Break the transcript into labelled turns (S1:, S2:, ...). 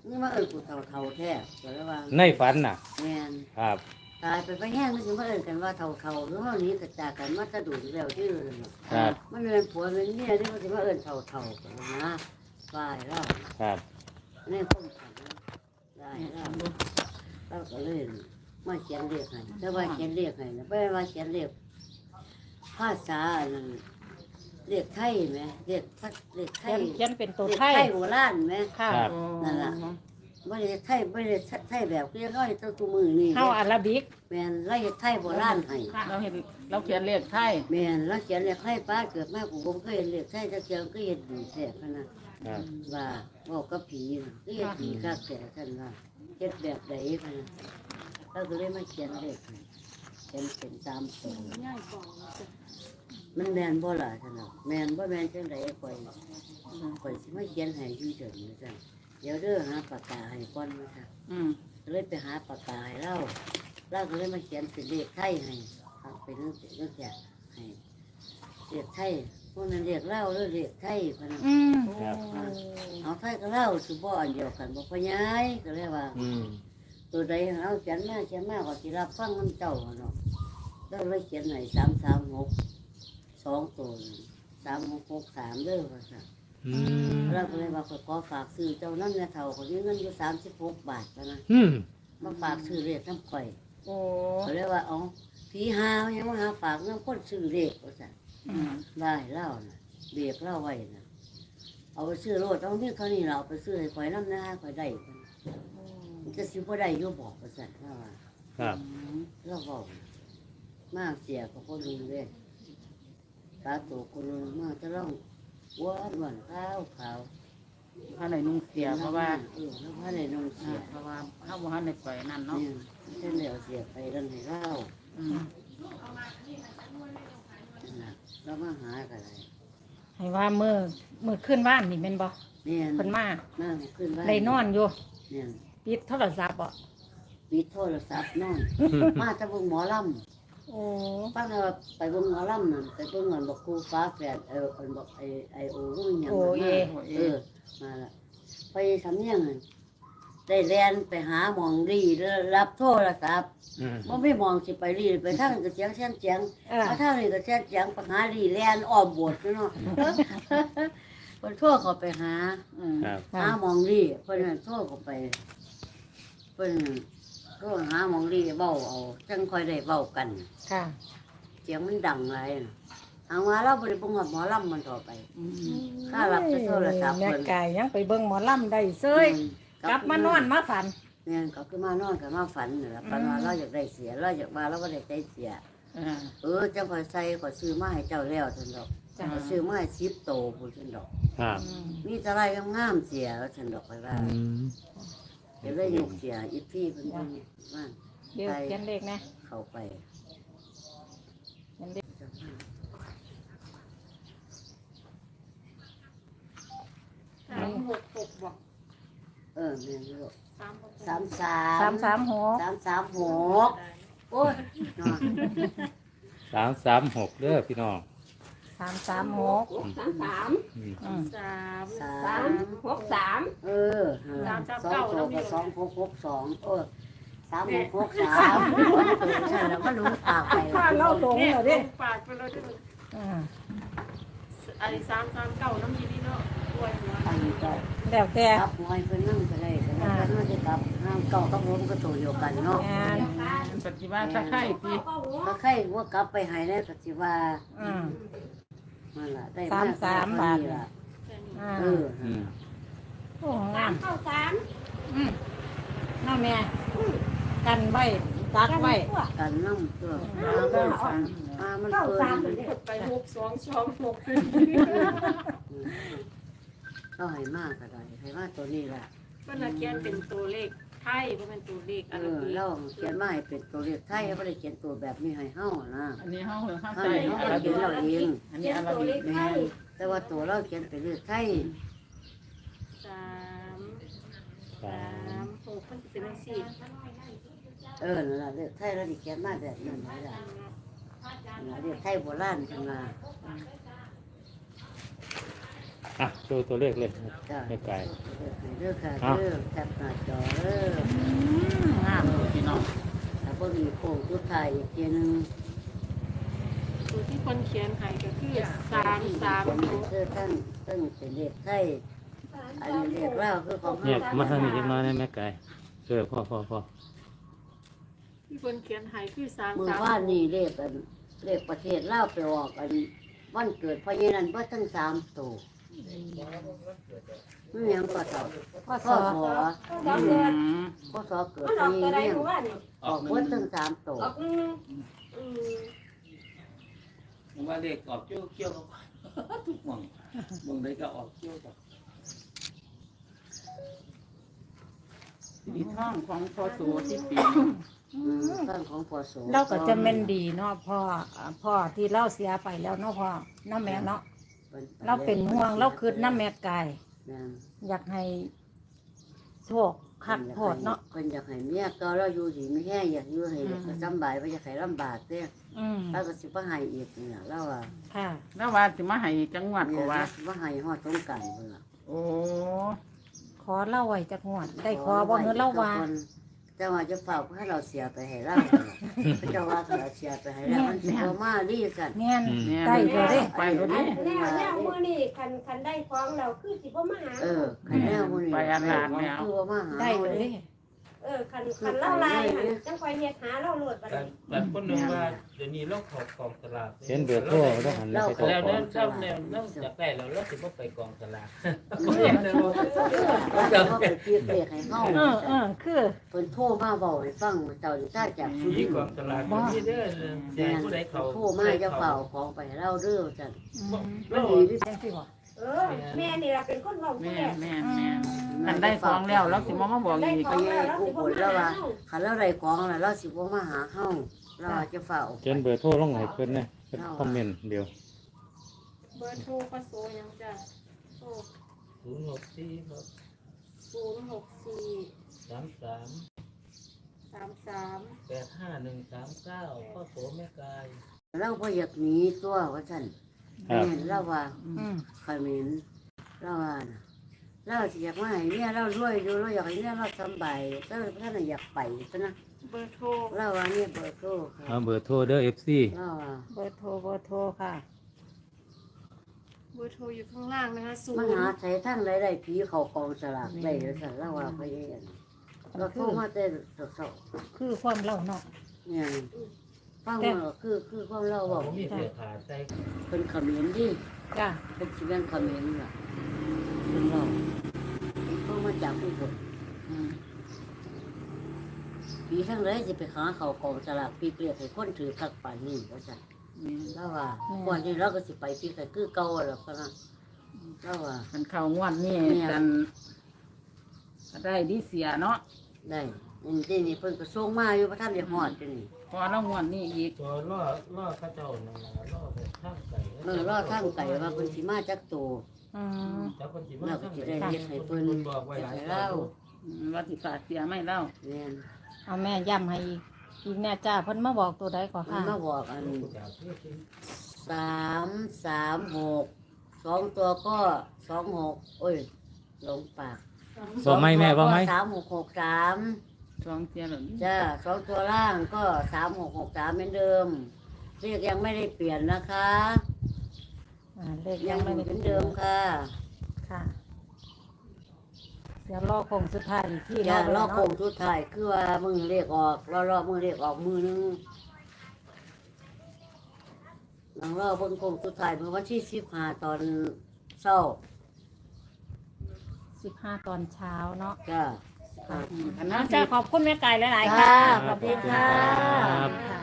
S1: นี่มากูเท่าแท้ก็เลยว่า
S2: ในฝันน่ะ
S1: แม่น
S2: ครับ
S1: ตายไปไปแห้งนี่สิมากันว่าเท่าหรือเฮานี้กระจากกันมาจะดูแล้วที่นั่น
S2: ครับ
S1: มันเป็นผัวเป็นเมียที่มันสิมาเท่ากันนะว่าแล้ว
S2: ครับ
S1: นี่คนฝันได้แล้วก็เลยมาเขียนเลขให้แต่ว่าเขียนเลขให้นะไม่ว่าเขียนเลขภาษานั่นเลขไทยไหมเลขไทย
S3: เขียนเป็นตัว
S1: เลข
S3: ไทย
S1: ไทยโบราณไหม
S3: ค่ะ
S1: นั่นล่ะไม่ได้ไทยแบบเรียกร้อยตัวตัวมือนี่
S3: เข้าอาราบิก
S1: แม่นเราเฮ็ดไทยโบราณให้
S4: เราเห็นเราเขียนเลขไทย
S1: แม่นเราเขียนเลขไทยป้าเกิดมาผมเคยเห็นเลขไทยจะเขียนก็เห็นดีแท้ขนาด
S2: ครับ
S1: ว่าบอกกับผีน่ะก็เห็นผีข้าแต่ท่านว่าเฮ็ดแบบใดขนาดเราก็เลยมาเขียนเลขให้เขียนเป็นตามตัวมันแม่นบ่ล่ะท่านน่ะแม่นบ่แม่นจังได๋ข่อยสิมาเขียนให้อยู่เฉยๆซั่นเดี๋ยวเด้อหาปากกาให้ก่อนว่าซั่น เลยไปหาปากกาให้เราก็เลยมาเขียนเป็นเลขไทยให้ครับเป็นเรื่องแก่ให้เลขไทยพวกนั้นเรียกเล่าหรือเลขไทยพนัน
S2: ครับ
S1: เอาไทยก็เล่าสุบ่อันเดียวกันบอกพญายก็เลยว่า ตัวใดเอาเขียนมาก็สิรับฟังน้ำเจ้าเนาะแล้วเลยเขียนให้336 2ตัว3663เด้อว่าซั่นเราก็เลยว่าขอฝากซื้อเจ้านั่นเนี่ยเท่าคนนี้เงินอยู่36 บาทแล้วนะมาฝากซื้อเลขน้ำข่อย
S3: โอ้
S1: เขาเรียกว่าอ๋อผีหาวยังมาหาฝากน้ำคนซื้อเลขว่าสั่นได้เล่าน่ะเบียกเล่าไว้น่ะเอาไปซื้อโลดเอาเนี่ยเขานี่เราเอาไปซื้อให้ข่อยน้ำหน้าข่อยได้มันจะซื้อบ่ได้อยู่บอกว่าสั่นเล่าว่า
S2: ครับ
S1: เราบอกมากเสียกับคนนึงเลยตาตัวคนนึงมากจะร้องวันขาว
S4: พระไหนนุ่งเสียเพราะว่า
S1: แล้วพระในนงเสีย
S4: เพราะว่าข้าวบ้านในปล่อยนั่นเนาะ
S1: เนี่ยเส้นเหลวเสียไปดันให้เล่าแล้วมาหากันอะไร
S3: ให้ว่ามือขึ้นบ้านนี่แม่นบ่
S1: เนี่ย
S3: เพิ่นมา
S1: นั่งขึ้นบ้าน
S3: ได้นอนอยู่
S1: เนี่ย
S3: ปิดโทรศัพท์บ่
S1: ปิดโทรศัพท์นอน มาจะเบิ่งหมอล
S3: โอ้
S1: ำป้าว่าไปเบิ่งหมอลำนั่นไปเบิ่งเงินบอกครูฟ้าแฝดบอกไอโอรู้ยังมาละไปทำยังไงได้แลนไปหาหมองรีรับโทรศัพท์มันไม่มองสิไปรีไปทางก็เสียงมาทางนี้ก็เสียงไปหารีแลนอ้อมโบสถ์เนาะคนทั่วเขาไปหา
S2: ครับ
S1: หาหมองรีเพิ่นนั่นทั่วเขาไปเพิ่นทั่วหาหมองรีเบ้าเอาจังค่อยได้เบ้ากัน
S3: ค่ะ
S1: เสียงมันดังไรหางว่าเราบริบุงกับหมอลำมันต่อไปถ้ารับจะโทรศัพท์
S3: แม่
S1: เพิ่น
S3: ไก่ยังไปเบิ่งหมอลำได้เซยกลับมานอนมาฝัน
S1: เนี่ยก็คือมานอนกับมาฝันนี่แหละฝันว่าเราอยากได้เสียเราอยากมาเราก็ได้ใจเสียเจ้าคอยใส่คอยซื้อมาให้เจ้าแล้วท่านดอกคอยซื้อมาให้10 โตพูดท่านดอก
S2: ครับ
S1: มีแต่ไรงามๆเสียแล้วท่านดอกคอยว่าเดี๋ยวได้ยกเสียอีพี่เพิ่นว่า
S3: เดี๋ยวเขียนเลขนะ
S1: เข้าไป
S3: เขียนเลข
S5: 366บอก
S1: แม่นลูก
S5: 366
S3: 336
S1: 336โอ้ย
S2: 336เด้อพี่น้อง
S3: 336
S5: 3
S1: เออ2 ตัวกับ2662 3663ใช่แล้วก็รู้ปากไป
S3: ถ้าเราตรงแล้วเด้
S5: ปากไปเลยที่มัน
S3: อ่า
S5: ไอ้339น้ำยีนี่เนาะด้วยหัว
S1: อันนี้ก็
S3: แล้วแต่
S1: กลับหอยเพิ่นนั่งไปเลยแต่ว่าเพิ่นน่าจะกลับห้ามเก่ากับผมก็ตัวเดียวกันเนาะ
S3: งาน
S4: ปฏิบัติถ้าใครปี
S1: ถ้าใครว่ากลับไปให้แล้วก็สิว่า
S3: อืม
S1: มันล่ะได้
S3: 33 บาท
S1: ล่ะ
S3: อ่า
S1: เออ
S3: โอ้งามน้าแม่กันไว้ตักไว้
S1: กันน้ำตัวมันเปิด
S5: ไป6226
S1: ก็ให้มากก็ได้ให้มากตัวนี้แหละ
S5: มันละเขียนเป็นตัวเลขไทยบ่เป็นตัวเลขอาราบิก
S1: เราเขียนมาให้เป็นตัวเลขไทยไม่ได้เขียนตัวแบบนี้ให้เฮานะ
S4: อันนี้ห้องหรือห้อง
S1: เฮา
S4: ใส่
S1: เฮา
S4: อารา
S1: เขี
S4: บิ
S1: ยนเราเอง
S4: อันนี้อาราบิก
S1: แม่นแต่ว่าตัวเราเขียนเป็นเลขไทย
S5: 336มันเป็นจังซี่
S1: นั่นล่ะเลขไทยเราได้เขียนมาแบบนั้นนี่ล่ะเลขไทยโบราณจังว่า
S2: คอ่ะดูตัวเลขเลย
S1: จ้า
S2: ไม่ไกล
S1: เด้อค่ะ
S2: อ้าว
S1: เด้อแคปหน้าจอเด้อ
S4: งามเลยพี่น้อง
S1: ถ้าบ่มีโค้งสุดท้ายอีกทีหนึง
S5: ตัวที่คนเขียนให้ก็คือ33
S1: คือตั้งเป็นเลขไทยอันนี้เลขลาวคือของ
S2: เนี่ย
S1: เฮา
S2: มาทางนี้จังน้อยนะแม่ไก่พ่อ
S5: ที่คนเขียนให้คือ
S1: มื้อวานนี่เลขเลขประเทศลาวไปออกวันเกิดพ่อใหญ่นั่นบ่ทั้ง3ตัวมันยังก็ตอบ
S3: พ่อ
S1: พ่
S3: ส
S1: อ
S3: อ
S1: สอ พ่อสอเกิด
S6: มันอ
S1: พ่อ
S6: อก
S1: ให
S6: ตัว
S1: ญ่
S6: ใด
S1: เนี่ย
S6: หมู่บ้านนี่
S1: ออกเบิดทั้ง3ตัว
S6: ออกอืม
S7: ผมว่าเลขออกเกี่ยวกับ ทุกหม่องใดก็ออกเกี่ยวกับ
S4: สีท่องของพอโสที่ปี
S1: ตั้งของพ่อสอ
S3: เราก็จะแม่นดีเนาะพ่อที่เราเสียไปแล้วเนาะพ่อเนาะแม่เนาะเราเป็นห่วงเราคืดน้ำแม่ไก่
S1: แม่น
S3: อยากให้โชคคักโพดเนาะ
S1: เพิ่นอยากให้เมียก็เราอยู่ดีไม่แห้งอยากอยู่ให้สำบายบ่อยากให้ลำบากเด้ แล้วก็สิบ่ให้อีกเนี่ยเราว่า
S3: ค่ะ
S4: แล้วว่าสิมาให้จังหวัด
S1: เนี่
S4: ก็
S1: ย
S4: ว่า
S1: สิบ่ให้ฮอดสงกรานต์พุ่นล่ะ
S4: โอ้
S3: ขอเล่าไว้จักงวด ได้ขอบ่เงินเล่าว่า
S1: แต่ว่าจะฝากให้เราเสียไปให้เราเจ้าว่าเราเสียไปให้เรามันสิบ่มาดีกัน
S3: แม่น
S4: เนี่ย
S3: ได้เลยเด้
S4: ไปเลยดิ
S6: แนวมื้อนี้คันได้ของเราคือสิบ่มาหา
S1: คันแนวมื้อนี้คือว่ามาหา
S3: ได้เลยเด้
S6: คันเล่าลายหั่นจังค่อยเฮ็ดหาเราโลดบัดนี้
S7: แต่คนหนึ่งว่าเดี๋ยวนี้เราขอบกองสลาก
S2: เขียนเบอร์โทรแล้วหันไป
S7: แล้ว
S2: ขอ
S7: เนี่ย
S2: ง
S7: ถ้าเนี่ยเราอยากได้เราสิบ่ไปกองสลาก
S1: เราก็ไปเปรียบเทียบให้เฮา
S3: คือ
S1: เพิ่นโทรมาบอกให้ฟังเจ้าถ้าจากสุ
S7: มี
S1: รินท
S7: กอง
S1: ร์
S7: สลากมีเด้อแจ้งผู้ใดเขา
S1: โทรมาจะเฝ้าของไปให้เราเด้อจัง
S3: มันดีที่จังสิบ่
S6: แม่นี่ล่ะเป็นคนเว้าผู้
S4: แม่
S6: แรก
S4: แม่แม่คันได้ของแล้วแล้วสิมาบอกอีก
S1: ไปผู้บนแล้วว่าคันเราได้ของแล้วเราสิบ่มาหาเฮาเราจะเฝ้า
S2: เขียนเบอร์โทรลงให้เพิ่นนะเพิ่นคอมเมนต์เดียว
S5: เบอร์โทรพระโสยังจ้ะโทร
S7: 064ครับ
S5: 064
S7: 33
S5: 33
S7: 85139พ่อโสแม่กาย
S1: เราบ่อยากหนีตัวว่าซั่น
S2: ครับ
S1: แม่นเราว่า
S3: อืม
S1: ขมิ้นเราว่าน่ะเราสิอยากมาให้เนี่ยเรารวยอยู่เราอยากให้เนี่ยเราสำบายเราท่านน่ะอยากไปซะนะ
S5: เบอร์โทร
S1: เราว่าเนี่ยเบอร์โทรค่ะ
S2: เอาเบอร์โทรเด้อ FC
S1: เราว่า
S3: เบอร์โทรค่ะ
S5: เบอร์โทรอยู่ข้างล่างนะคะ
S1: มาหาใช้ทั้งใดๆผีเขากองสลากได้แล้วซั่นเราว่าไปเองเราโทรมาแต่เสา
S3: คือความเล่าเนาะ
S1: ๆเนี่ยฟังว่าคือความเราบอก
S7: ผมมีเสื้อผ้าใส่
S1: เป็นขมิ้นดิ
S3: จ้ะ
S1: เป็นสิเป็นขมิ้นล่ะเป็นเราเขามาจากผู้คนปีทั้งเลยจะไปหาเขากองสลากปีเกลียดให้คนถือคักป่านนี้ว่าซั่นแล้วว่าก่อนนี้เราก็สิไปปีกันคือเก่าแล้วก็นะแล้วว่า
S4: คันเข้างวดนี่กันก็ได้ดีเสียเนาะ
S1: ได้นี่เพิ่นก็ส่งมาอยู่พระท่านได้ฮอดจังนี่
S4: พอแล้วงวดนี้อีก
S7: ตัวล่อข้าเจ้านั่นล่ะล่อแบบข้างไก่
S1: รอทางไก่ว่าเพิ่นสิมาจักโต
S3: อืม
S7: จับคนสิมา
S1: เราก็สิได้เฮ็ดให้เพิ่น
S7: บอกไว้หลาย
S1: ให้
S7: เจ้า
S1: เรา
S4: ว่าสิฝากเสียไม่เล่า
S1: แม่น
S3: เอาแม่ย้ำให้อีกแน่จ้าเพิ่นมาบอกตัวใดก่อน
S1: เพิ่น
S3: ค่ะ
S1: มาบอกอัน
S7: จากที่
S1: 336 2ตัวก็26โอ้ยหลงปาก
S2: บอกไหมแม่บอกไหม
S1: 3663
S4: สองเสียหรือ
S1: จ้า2ตัวล่างก็3663เหมือนเดิมเรียกยังไม่ได้เปลี่ยนนะคะ
S3: เลข
S1: ยั
S3: ยัง ง
S1: ไม่
S3: ไม่
S1: เห
S3: ได้
S1: มือนเดิมค่ะ
S3: ค่ะเดี๋ยวรอคงสุดท้ายอีกที่
S1: จ้า
S3: เนาะ
S1: รอโค้งสุดท้ายคือว่ามือเรียกออกรอมือเรียกออกมือนึงหลังรอเบิ่งโค้งสุดท้ายเมื่อวันที่15ตอนเช้า
S3: 15 ตอนเช้าเนาะ
S1: จ้า
S4: อันนั้น
S3: จ้าขอบคุณแม่ไก่หลายๆ
S1: จ้า
S3: ค่ะ
S1: ขอบคุณค่ะ
S3: ค่ะ